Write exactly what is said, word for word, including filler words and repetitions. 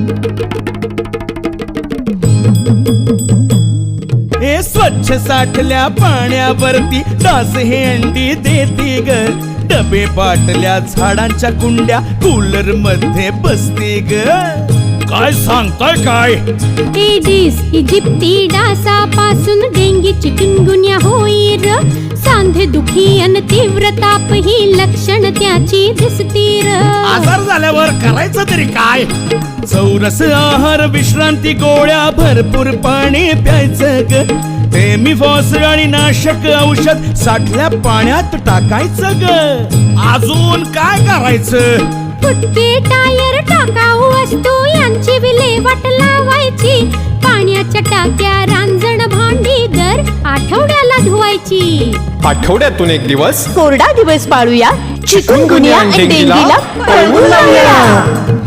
हे स्वच्छ साठल्या पाण्यावरती डास हे अंडी देते ग. डबे बाटल्या झाडांच्या कुंड्या कूलर मध्ये बसते ग. काय सांगताय काय? एडिस इजिप्ती डासापासून डेंगी चिकनगुन्या होईल. सांधे दुखी अन तीव्र ताप ही लक्षण त्याची दिसतील. आजार झाल्यावर करायचं तरी काय? चौरस आहार, विश्रांती, गोळ्या, भरपूर पाणी प्यायचं ग. टेमिफॉस आणि नाशक औषध साठल्या पाण्यात टाकायचं ग. अजून काय करायचं? फुटके टायर, टाकाऊ वस्तू यांची विल्हेवाट लावायची. पाण्याच्या टाक्या, रांजण, भांडी दर आठवड्याला धुवायची. आठवड्यातून एक दिवस कोरडा दिवस पाळूया. चिकनगुन्या आणि डेंगीला पळवून लावूया.